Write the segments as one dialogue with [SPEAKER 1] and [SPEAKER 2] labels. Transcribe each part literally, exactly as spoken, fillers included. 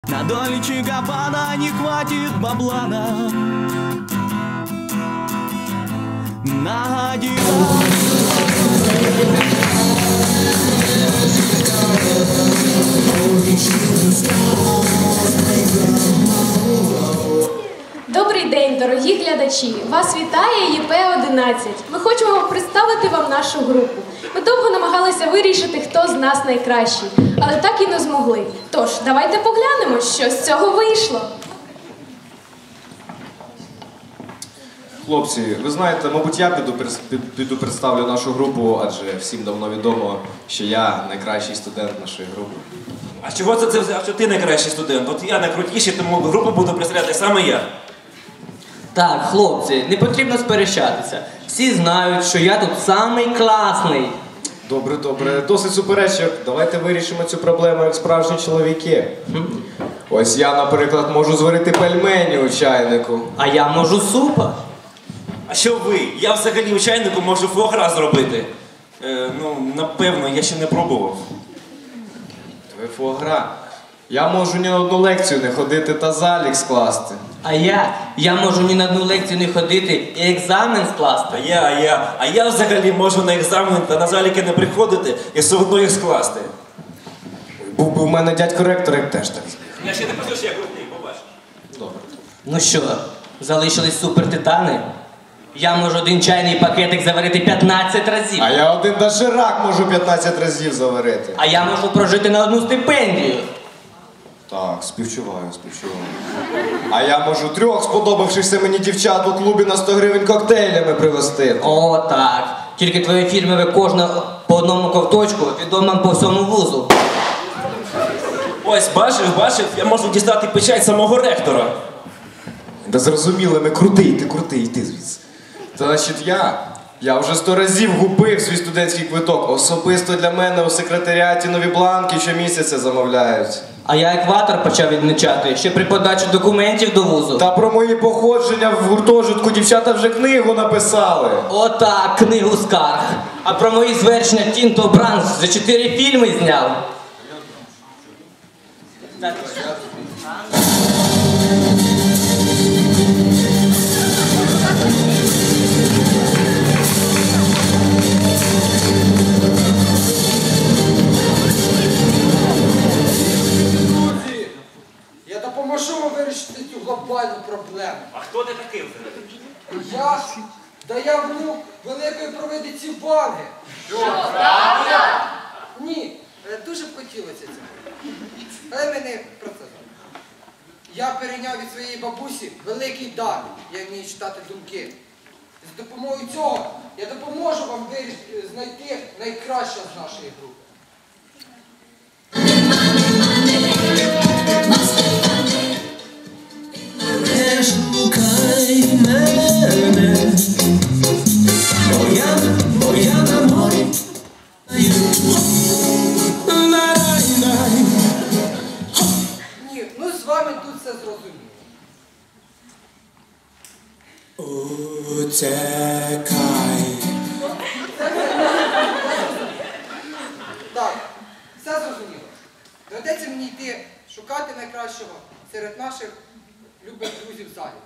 [SPEAKER 1] На долечек опада не хватит бабла нам на один.
[SPEAKER 2] Добрий день, дорогі глядачі! Вас вітає Є Пе одинадцять. Ми хочемо представити вам нашу групу. Ми довго намагалися вирішити, хто з нас найкращий, але так і не змогли. Тож, давайте поглянемо, що з цього вийшло.
[SPEAKER 3] Хлопці, ви знаєте, мабуть, я піду, піду представлю нашу групу, адже всім давно відомо, що я найкращий студент нашої групи.
[SPEAKER 4] А чого це, це взяв, що ти найкращий студент? От я найкрутіший, тому групу буду представляти саме я.
[SPEAKER 5] Так, хлопці, не потрібно сперечатися. Всі знають, що я тут самий класний.
[SPEAKER 3] Добре, добре, досить суперечок. Давайте вирішимо цю проблему як справжні чоловіки. Ось я, наприклад, можу зварити пельмені у чайнику.
[SPEAKER 5] А я можу супа.
[SPEAKER 4] А що ви? Я взагалі у чайнику можу фуагра зробити. Е, ну, напевно, я ще не пробував.
[SPEAKER 3] Ви фуагра. Я можу ні на одну лекцію не ходити та залік скласти.
[SPEAKER 5] А я? Я можу ні на одну лекцію не ходити і екзамен скласти.
[SPEAKER 4] А я, а я, а я взагалі можу на екзамен та на заліки не приходити і все одно їх скласти.
[SPEAKER 3] Був би в мене дядько-ректор, як теж так зміг.
[SPEAKER 4] Я ще не кажу, що я крутий, побач.
[SPEAKER 3] Добре.
[SPEAKER 5] Ну що, залишились супертитани? Я можу один чайний пакетик заварити п'ятнадцять разів.
[SPEAKER 3] А я один доширак можу п'ятнадцять разів заварити.
[SPEAKER 5] А я можу прожити на одну стипендію.
[SPEAKER 3] Так, співчуваю, співчуваю. А я можу трьох сподобавшихся мені дівчат у клубі на сто гривень коктейлями привезти.
[SPEAKER 5] О, так. Тільки твоє фірмове кожне по одному ковточку відомо по всьому вузу.
[SPEAKER 4] Ось, бачив, бачив, я можу дістати печать самого ректора.
[SPEAKER 3] Да зрозуміло, ми крутий, ти крутий, йди звідси. Та значить я, я вже сто разів губив свій студентський квиток. Особисто для мене у секретаріаті нові бланки щомісяця замовляють.
[SPEAKER 5] А я екватор почав відмічати ще при подачі документів до вузу.
[SPEAKER 3] Та про мої походження в гуртожитку дівчата вже книгу написали.
[SPEAKER 5] Отак, книгу скарг. А про мої звершення Тінто Бранс за чотири фільми зняв.
[SPEAKER 6] Я допоможу вам вирішити цю глобальну проблему.
[SPEAKER 4] А хто ти такий взагалі?
[SPEAKER 6] Я? Да я внук великої провидиці Ванги.
[SPEAKER 4] Що, правда?
[SPEAKER 6] Ні, е, дуже б хотілося цього. Але ми не про це зараз. Я перейняв від своєї бабусі великий дар. Я вмію читати думки. З допомогою цього я допоможу вам вирішити, знайти найкраще з нашої групи.
[SPEAKER 1] Не шукай мене, бо я, бо я на морі.
[SPEAKER 6] Ні, ну з вами тут все зрозуміло.
[SPEAKER 1] Утекай.
[SPEAKER 6] Так, все зрозуміло. Доведеться мені йти шукати найкращого серед наших любих друзів в залі.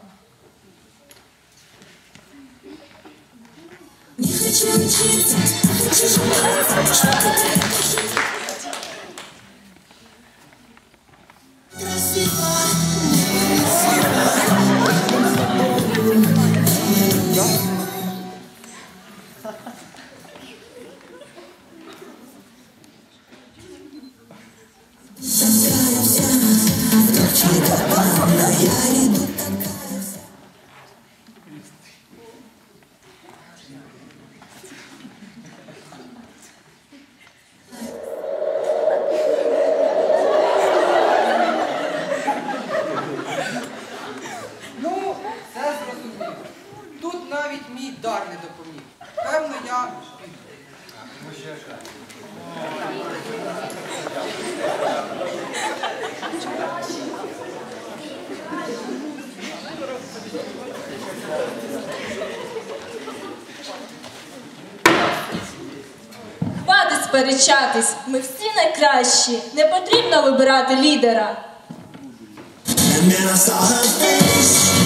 [SPEAKER 7] Не хочу учиться, а хочу желаться, что-то красиво, такая вся, девчонка банда, я иду такая вся.
[SPEAKER 6] Ну, все зрозуміло. Тут навіть мій дар не допоміг. Певно, я піду.
[SPEAKER 8] Хватить сперечатись, ми всі найкращі, не потрібно вибирати лідера.
[SPEAKER 7] And then I saw her face.